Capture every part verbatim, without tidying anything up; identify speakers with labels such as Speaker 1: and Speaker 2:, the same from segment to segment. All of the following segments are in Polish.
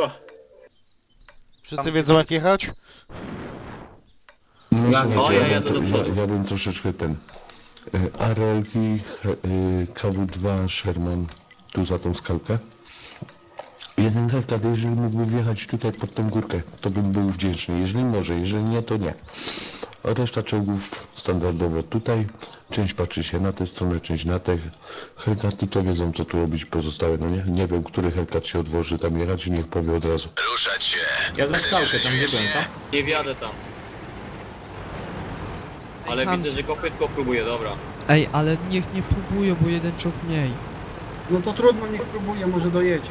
Speaker 1: Wszyscy wiedzą jak jechać?
Speaker 2: No
Speaker 3: Ja-
Speaker 2: słuchajcie,
Speaker 3: o,
Speaker 2: ja,
Speaker 3: ja jadę
Speaker 2: bym,
Speaker 3: do
Speaker 2: to,
Speaker 3: przodu.
Speaker 2: ja, ja bym troszeczkę ten... y, A R L-ki, y, K W dwa, Sherman, tu za tą skałkę. Jeden hektar, jeżeli mógłby wjechać tutaj pod tą górkę, to bym był wdzięczny. Jeżeli może, jeżeli nie, to nie. A reszta czołgów standardowo tutaj. Część patrzy się na tę stronę, część na tę. Helkaty to wiedzą, co tu robić pozostałe. No nie, nie wiem, który helkat się odwoży tam jechać i niech powie od razu.
Speaker 4: Ruszać się.
Speaker 3: Ja za skałkę tam nie byłem, co?
Speaker 5: Nie wjadę tam. Ale
Speaker 6: Hans.
Speaker 5: widzę, że kopytko próbuje, dobra.
Speaker 6: Ej, ale niech nie próbują, bo jeden czołg mniej.
Speaker 7: No to trudno, niech próbuje, może dojedzie.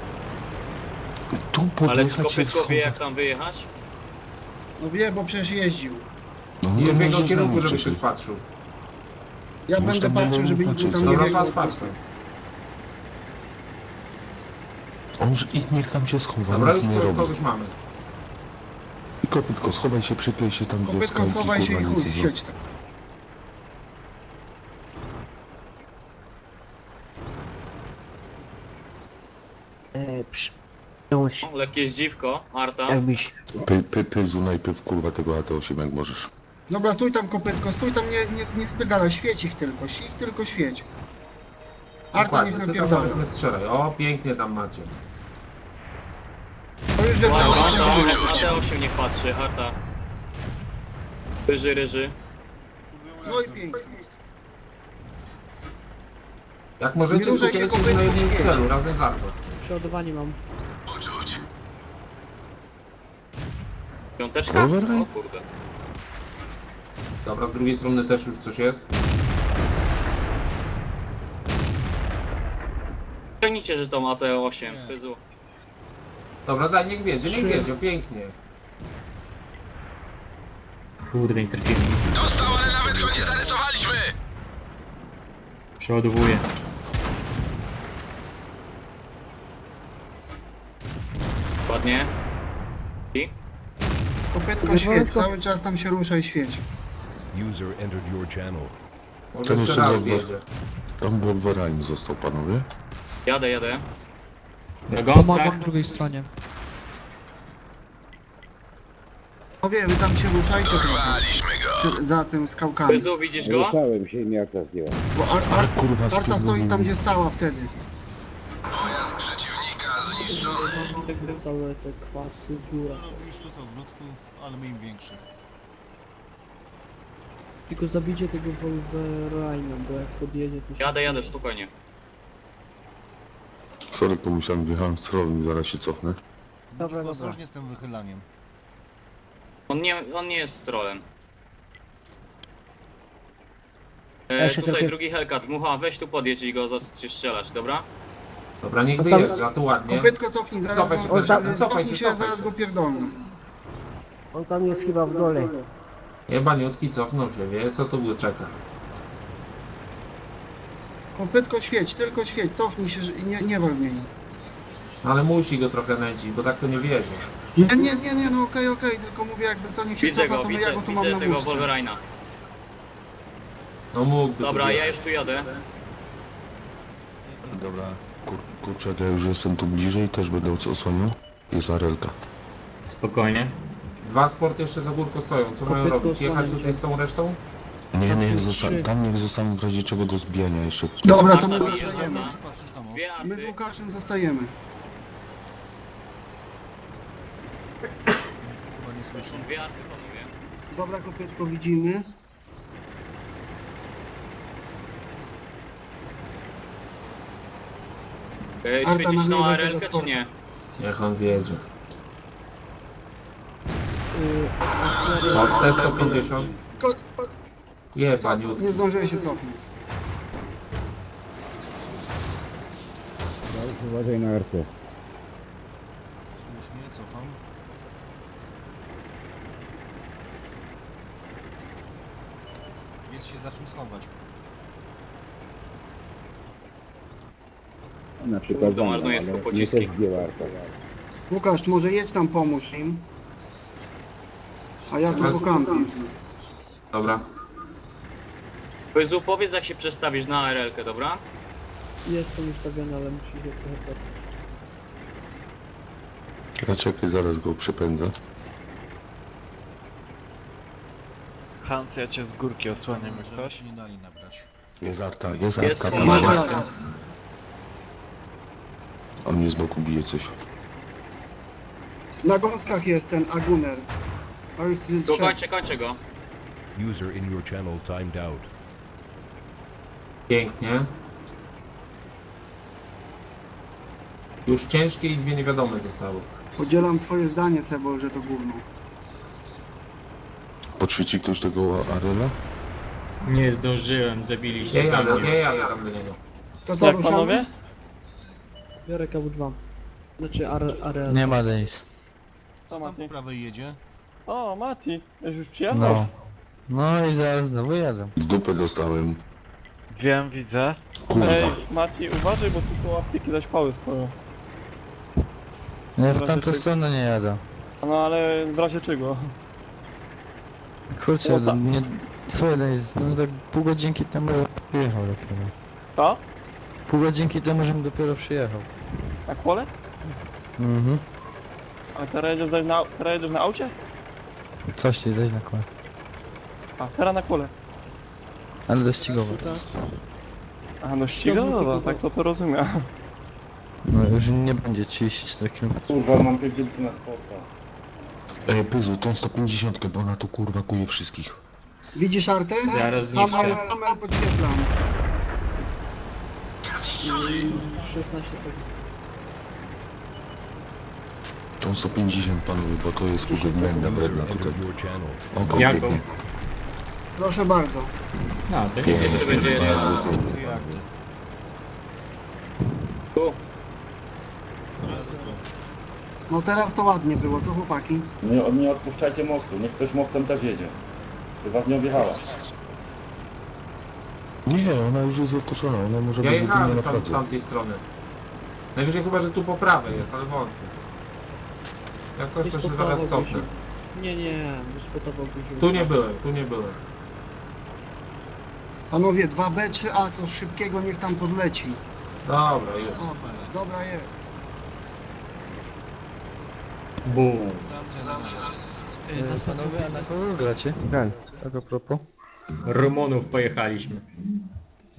Speaker 2: Tu
Speaker 5: Ale czy
Speaker 2: podjechać się
Speaker 5: kopytko wie
Speaker 2: schować.
Speaker 5: jak tam wyjechać?
Speaker 7: No wie, bo przecież jeździł.
Speaker 2: No,
Speaker 3: Nie
Speaker 2: to
Speaker 3: w jego
Speaker 2: może z
Speaker 3: kierunku,
Speaker 2: nami
Speaker 3: żeby się
Speaker 2: przyszedł.
Speaker 3: spatrzył.
Speaker 7: Ja
Speaker 2: Już
Speaker 7: będę
Speaker 2: tam
Speaker 7: patrzył,
Speaker 2: będą
Speaker 7: żeby nikt
Speaker 2: patrzeć,
Speaker 7: tam
Speaker 2: co
Speaker 7: nie
Speaker 3: Dobra,
Speaker 7: biegał.
Speaker 3: patrz, patrz.
Speaker 2: On, że i niech tam się schowa,
Speaker 3: Dobra,
Speaker 2: nic
Speaker 3: już
Speaker 2: nie
Speaker 3: ko-
Speaker 2: robi.
Speaker 3: kogoś mamy.
Speaker 2: I kopytko, schowaj się, przyklej się tam do
Speaker 7: Kopytko,
Speaker 2: skałki,
Speaker 7: schowaj się i
Speaker 2: kurwa, nic
Speaker 7: chuj,
Speaker 2: nie robi.
Speaker 7: siedź tam.
Speaker 8: E, przyjąć,
Speaker 5: O, lekkie zdziwko, Arta.
Speaker 8: jakbyś
Speaker 2: Py, py, pyzu najpierw, kurwa, tego A T osiem, jak możesz.
Speaker 7: Dobra, stój tam kopytko, stój tam, nie, nie, nie spierdalaj, świeć ich tylko, ich tylko świeć. Arta niech
Speaker 3: Dokładnie, ty tam nawet
Speaker 7: napierdala.
Speaker 3: nie strzelaj. O, pięknie tam macie.
Speaker 7: To już wiadomo,
Speaker 5: Ładnie,
Speaker 7: że
Speaker 5: Arta,
Speaker 7: będzie.
Speaker 5: Arta osiem niech patrzy, Arta. Ryży, ryży.
Speaker 7: No i pięknie.
Speaker 3: Jak
Speaker 7: Nie
Speaker 3: możecie,
Speaker 7: ruszaj się,
Speaker 3: skupiajcie się na
Speaker 7: kopytko,
Speaker 3: jednym
Speaker 7: świeć.
Speaker 3: celu, razem z Arto.
Speaker 8: przeładowanie mam.
Speaker 4: Poczuć.
Speaker 5: Piąteczka?
Speaker 2: Override?
Speaker 5: O kurde.
Speaker 3: Dobra, z drugiej strony też już coś jest.
Speaker 5: Ciągnijcie, że to ma T osiem, pyzu.
Speaker 3: Dobra, daj, niech wiedzie, niech wiedzie, pięknie.
Speaker 9: Kurde, nie trafiłem.
Speaker 4: Dostał, ale nawet go nie zarysowaliśmy.
Speaker 9: Przeładowuję.
Speaker 5: Ładnie. I?
Speaker 7: Kopytko świeć, cały czas tam się rusza i świeć.
Speaker 4: User entered your channel.
Speaker 3: Może
Speaker 2: Ten
Speaker 3: jeszcze
Speaker 2: jeszcze
Speaker 3: raz
Speaker 2: Volvo.
Speaker 3: wiedzie.
Speaker 2: Tam Wolverine został, panowie.
Speaker 5: Jadę, jadę.
Speaker 9: Na gąskach.
Speaker 6: Pomagam drugiej stronie.
Speaker 7: No wie, wy tam się ruszajcie trochę.
Speaker 4: Porwaliśmy go.
Speaker 7: Przy- Za tym skałkami.
Speaker 5: Pyzu, widzisz go?
Speaker 7: Bo Ar Ar
Speaker 2: Kurwa,
Speaker 7: Arta stoi
Speaker 2: spierdolił.
Speaker 7: tam, gdzie stała wtedy.
Speaker 4: Pojazd przeciwnika zniszczony.
Speaker 8: Całe te kwasy, dziura.
Speaker 1: Robiliśmy to w grudku, ale my im większych.
Speaker 8: Tylko zabicie tego Wolverina, bo jak podjedzie to się...
Speaker 5: Jadę, jadę, spokojnie.
Speaker 2: Sorry, pomyślałem, wjechałem w stronę i zaraz się cofnę.
Speaker 8: Dobra, dobra.
Speaker 1: Ostrożnie z tym wychylaniem.
Speaker 5: On nie, on nie jest trolem.
Speaker 8: Ja
Speaker 5: E,
Speaker 8: się
Speaker 5: tutaj
Speaker 8: trochę-
Speaker 5: drugi Hellcat. Mucha, weź tu podjedź i go zaczniesz strzelać, dobra?
Speaker 3: Dobra, niech
Speaker 8: No tam-
Speaker 3: wyjeżdża, tu ładnie.
Speaker 7: Kopytko cofnij, zaraz
Speaker 3: Cofaj
Speaker 7: go,
Speaker 3: się,
Speaker 7: cofnij
Speaker 3: Bernardo, cofaj się,
Speaker 7: się,
Speaker 3: cofaj
Speaker 7: zaraz
Speaker 3: się.
Speaker 7: go pierdolną.
Speaker 8: On tam jest chyba w dole.
Speaker 3: Jebaniutki cofnął się, wie co tu go czeka.
Speaker 7: Kopytko świeć, tylko świeć, cofnij się że- i nie, nie wal w niej.
Speaker 3: Ale musi go trochę nęcić, bo tak to nie wiedzie.
Speaker 7: Nie, nie, nie, nie, no okej, okej, tylko mówię jakby to niech się
Speaker 5: Widzę
Speaker 7: cofa,
Speaker 5: go,
Speaker 7: to my ja
Speaker 5: widzę,
Speaker 7: go tu mam
Speaker 5: widzę
Speaker 7: na
Speaker 5: tego
Speaker 7: muszce.
Speaker 5: Wolverina.
Speaker 3: No mógłby
Speaker 5: Dobra,
Speaker 3: tu
Speaker 5: ja
Speaker 3: wjechać.
Speaker 5: już tu jadę.
Speaker 2: Dobra, kur, kurczak, ja już jestem tu bliżej, też będę osłaniał. Jest Arelka.
Speaker 9: Spokojnie.
Speaker 3: Dwa sporty jeszcze za górką stoją, co mają
Speaker 8: Kopytko
Speaker 3: robić? Jechać
Speaker 8: osłaniam
Speaker 3: tutaj
Speaker 8: cię.
Speaker 3: z tą resztą?
Speaker 2: Nie, niech
Speaker 8: trzy.
Speaker 2: zostaną, tam niech zostaną w razie czego do zbijania jeszcze.
Speaker 7: Dobra, to
Speaker 5: Arta
Speaker 7: my
Speaker 5: bije
Speaker 7: zostajemy.
Speaker 5: żona.
Speaker 1: Czy patrzysz na most?
Speaker 5: Dwie
Speaker 7: My z
Speaker 5: arty.
Speaker 7: Łukaszem zostajemy.
Speaker 1: Chyba nie słyszę.
Speaker 5: Dwie arty, panowie.
Speaker 7: Dobra, kopytko widzimy.
Speaker 5: E,
Speaker 7: Arta
Speaker 5: świecić
Speaker 7: na
Speaker 5: tą
Speaker 7: lewo
Speaker 5: A R L-kę,
Speaker 7: tego
Speaker 5: czy nie?
Speaker 3: Niech on wiedzie.
Speaker 8: Yy,
Speaker 3: O, T sto pięćdziesiąt.
Speaker 7: Ko-
Speaker 3: Jebaniutki.
Speaker 7: Nie zdążyłem się cofnąć.
Speaker 1: Słusznie, cofam. Jest się za czym schować.
Speaker 5: To marnuje tylko pociski.
Speaker 7: Łukasz, może jedź tam pomóż im. A ja tu po kampie.
Speaker 3: Dobra.
Speaker 5: Pyzu, powiedz jak się przestawisz na A R L-kę, dobra?
Speaker 8: jest to ustawione, ale musi się trochę...
Speaker 2: A czekaj, zaraz go przepędzę.
Speaker 5: Hans, ja cię z górki osłaniam, jak
Speaker 1: Żeby
Speaker 5: ktoś.
Speaker 1: się nie dali nabrać.
Speaker 2: Jest arta, jest
Speaker 9: Jest
Speaker 2: arta.
Speaker 9: arta.
Speaker 2: tam.
Speaker 7: Dobra.
Speaker 2: On mnie z boku bije coś.
Speaker 7: Na gąskach jest ten Aguner. A już jest
Speaker 5: Tu
Speaker 7: trzech.
Speaker 5: kończę, kończę go.
Speaker 4: User in your channel timed out.
Speaker 3: Pięknie. Już ciężkie i dwie niewiadome zostały.
Speaker 7: Podzielam twoje zdanie, Sebo, że to gówno.
Speaker 2: Podświeci ktoś tego Arela?
Speaker 9: Nie zdążyłem,
Speaker 3: Nie
Speaker 9: zabiliście
Speaker 3: jadę,
Speaker 9: za
Speaker 3: nie
Speaker 9: mnie.
Speaker 3: jadę tam do niego.
Speaker 7: To co, ruszamy?
Speaker 8: Biorę K W dwa. Znaczy Ar Areal.
Speaker 10: Nie ma Denis.
Speaker 1: Co tam po prawej jedzie?
Speaker 11: O, Mati, już przyjechał?
Speaker 10: No. No i zaraz znowu jadę.
Speaker 2: W dupę dostałem.
Speaker 5: Wiem, widzę.
Speaker 2: Kurwa.
Speaker 11: Ej, Mati, uważaj, bo tu koło apteki zaś pały stoją.
Speaker 10: Nie, w
Speaker 11: Razie
Speaker 10: tamtą
Speaker 11: czego?
Speaker 10: stronę nie jadę.
Speaker 11: No ale w razie czego?
Speaker 10: Kurczę,
Speaker 11: No co?
Speaker 10: nie... Słuchaj Denis, no tak pół godzinki temu przyjechał dopiero.
Speaker 11: To?
Speaker 10: Pół godzinki temu, żebym dopiero przyjechał.
Speaker 11: Na kole?
Speaker 10: Mhm.
Speaker 11: A teraz jedziesz zaś na, teraz jedziesz na aucie?
Speaker 10: Coś ci zaś na kole.
Speaker 11: A, teraz na kole.
Speaker 10: Ale dościgowo.
Speaker 11: A, no ścigowa, tak to to rozumiem.
Speaker 10: No już nie będzie trzydzieści cztery kilometry.
Speaker 11: Kurwa, mam pierdolki na spota.
Speaker 2: Ej, Pyzu, tą sto pięćdziesiąt, bo ona tu kurwa kuje wszystkich.
Speaker 7: Widzisz Artę?
Speaker 9: Zaraz zniszczę.
Speaker 7: Hammer, hammer podświetlam.
Speaker 8: szesnaście sekund.
Speaker 2: Tą sto pięćdziesiąt panowie, bo to jest ugodnienna
Speaker 4: User
Speaker 2: bredna tutaj.
Speaker 4: entered your channel.
Speaker 2: O,
Speaker 9: Jaką?
Speaker 2: konkretnie.
Speaker 7: Proszę bardzo.
Speaker 9: No, to
Speaker 2: Pięknie,
Speaker 9: jeszcze będzie jedna.
Speaker 2: bardzo pięknie.
Speaker 1: Dwie arty.
Speaker 11: Tu.
Speaker 1: No jadę tu.
Speaker 7: No teraz to ładnie było, co chłopaki?
Speaker 11: Nie, nie odpuszczajcie mostu, niech ktoś mostem też jedzie. Czy was nie objechała?
Speaker 2: Nie, ona już jest otoczona, ona może
Speaker 3: Ja
Speaker 2: być jedynie
Speaker 3: jechałem
Speaker 2: na
Speaker 3: z tam,
Speaker 2: fladze.
Speaker 3: tamtej strony. Najwyżej chyba, że tu po prawej jest, ale wątpię. Jak coś, to
Speaker 8: Gdzieś
Speaker 3: się
Speaker 8: po
Speaker 3: zaraz
Speaker 8: prawo
Speaker 3: cofnę.
Speaker 8: gdzieś. Nie, nie, dyskutował gdzieś.
Speaker 3: Tu nie byłem, tu nie byłem.
Speaker 7: Panowie, dwa B, trzy A, coś szybkiego niech tam podleci.
Speaker 3: Dobra, jest.
Speaker 7: O, dobra jest.
Speaker 9: Bum.
Speaker 1: Francja na nas.
Speaker 6: Ej, na
Speaker 10: Panowie, a na
Speaker 6: samochodzie.
Speaker 10: kogo gracie? Graj. Tak a propos.
Speaker 9: Rumunów pojechaliśmy.